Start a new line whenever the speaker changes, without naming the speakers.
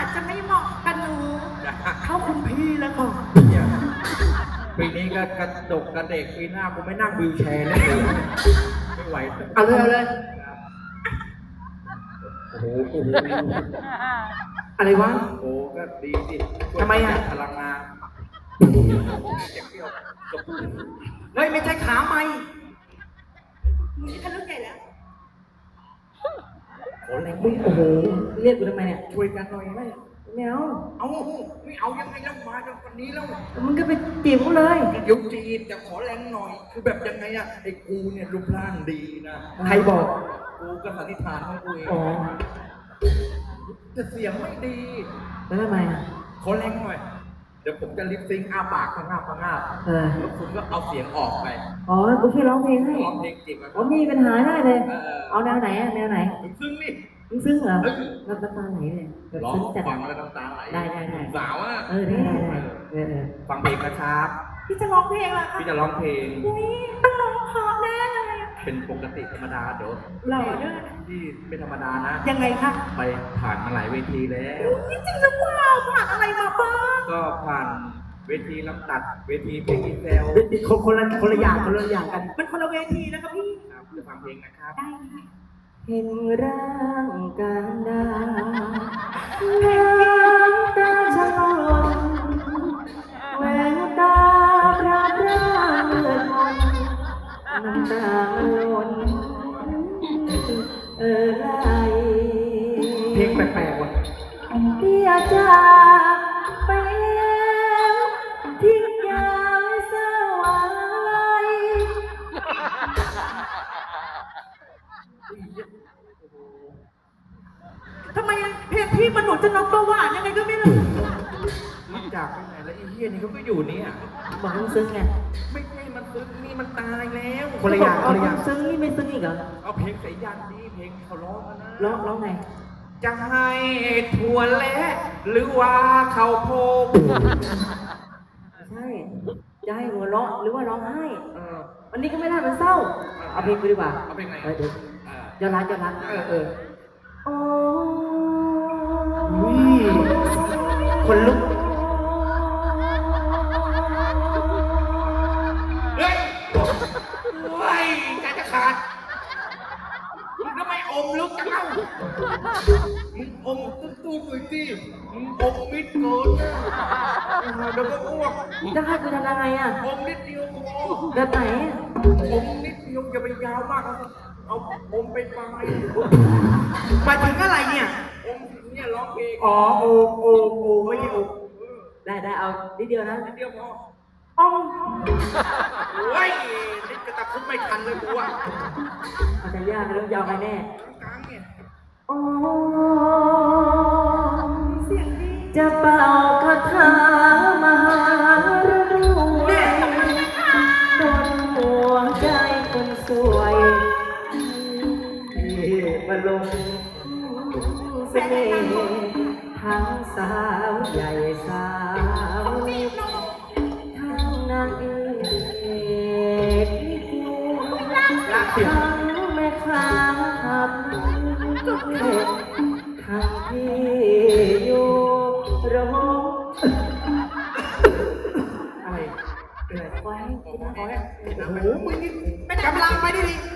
จะไม่เหมาะกับหนูเข้าคุณพี่แล้วค่ะ
ปีนี้ก็กระดกกระเด็กปีหน้ากูไม่นั่งวิวแชร์เลยไม่ไหว
เอาเลย
โอ้โหโอ้โห
อะไรวะ
โอ้โหก็ดีสิ
ทำไมอ่ะ
พลังงานเจ็บเปรี้ยวจบ
เฮ้ยไม่ใช่ขาไหม
มึงนี่ทะลึ่งใหญ่แล้ว
โอ้แรง
มึงโอ้โหเรียกกูทำไมเนี่ย
ช่วยกันหน่อยไหม
ไม่เอา
เอาไม่เอายังไงแล้วมาจนวันนี้แล้ว
มึงก็ไปจีบเขาเลย
เดี๋ยวจีบแต่ขอแรงหน่อย คือแบบยังไงอะไอ้กูเนี่ยรูปร่างดีนะ
ใครบอก
กูก็สันนิษฐานของกูเอง
อ๋อ
แต่เสียงไม่ดี
แล้วทำไมอ่ะ
ขอแรงหน่อย เดี๋ยวผมจะลิปซิงค์อ้าปากพังงาบพังงาบ
เออ
แล้วคุณก็เอาเสียงออกไป
อ๋อกูช่วยร้องเพลงให้
ร้องเพลงจีบกัน
อ๋อมีปัญหาได้เลย เอาแนวไหนอ่ะแนวไหน
ซึ่งนี่
มึงซึ้งเหรอแล้วน้ำตาไหลเลยแบบ
ร้อง
ซึ้งจัด
ฟังแล้วน้ำตาไหล
ได้
สาวอะ
เออได้เออ
ฟังเพลงนะครับ
พี่จะร้องเพลงเหรอคะ
พี่จะร้องเพลง
อุ้ยต้องร้องเพราะแน่เลยอะ
เป็นปกติธรรมดาเดี๋ยว
หล่อด้วย
ที่ไม่ธรรมดานะ
ยังไงคะ
ไปผ่านมาหลายเวทีแล้ว
นี่จริงหรือเปล่าผ่านอะไรมาบ้าง
ก็ผ่านเวทีลำตัด เวทีเพลงอีเซล
คนละอย่างกัน
มันคนละเวทีนะคะพี่
ครับจะฟังเพลงนะครับ
ได้ค่ะ
เห็นร่างการดาน้ำตาชะลอนแววตาพระร่างเลือดมนน้ำตามันล้นไหล
เพลงแปลกๆว่ะ
เดียจากไปแล้วทิ้งยามสวาย
ทำไมเพลงพี่มันหนุนจะน้องประหวานยังไงก็ไม่รู้
มันจากไปไหนแล้วไอ้เหี้ยนี่เขาก็อยู่เนี่ย
บอกมึงซึ้งไง
ไม่ใช่มันซึ้งนี่มันตายแล้ว
คนละอย่างซึ้งนี่ไม่ซึ้งอีกเหรอ
เอาเพลงสายยันนี่เพลงเขาร้องกันนะ
ร้องไง
จะให้ถั่วและหรือว่าเขาวโพก
ใช่จะให้หัวเราะหรือว่าร้องไห้
เออ
วันนี้ก็ไม่ได้เป็นเศร้า เอาเพลงไปดีกว่า
เอาเพลงไหน
เดี๋ยวย้อนรักโอ้ยคนลุก
เฮ้ยโอ้ยใจจะขาดมึงทำไมอมลึกจังเล่ามึงอมตู้ๆหน่อยสิมึงอมมิดเกินนะเดี๋ยวก็อ้วก
จะให้กูทำยังไงอ่ะ
อมนิดเดียวพอ
แบบไหน
อมนิดเดียวอย่าไปยาวมากเอาอมไปปลาย
หมายถึงอะไรเนี่ย
อมเนี่ยร้องเพลง
อ๋อโอไม่ใช่โอได้เอานิดเดียวนะ
นิดเดียวพอ
อ้อม
โอ้ยนี่กระตับคุดไม่ทันเลยกูอ่ะ
อาจจะยากเริ่มยาวไปแน่
กลางเนี่ย
โอ้
เสียงดี
จะเป่าคาถามหารวยโดนหัวใจคนสวยมาลงเสน่ห์ทั้งสาวใหญ่สาวเล็กทั้งนางเอกลิเกทั้งแม่ค้าขับเล็กทั้งที่อยู่โรงอะไรเป็นไรไฟ
โอ้โหมึงนี่เป็นกำลังไปดิ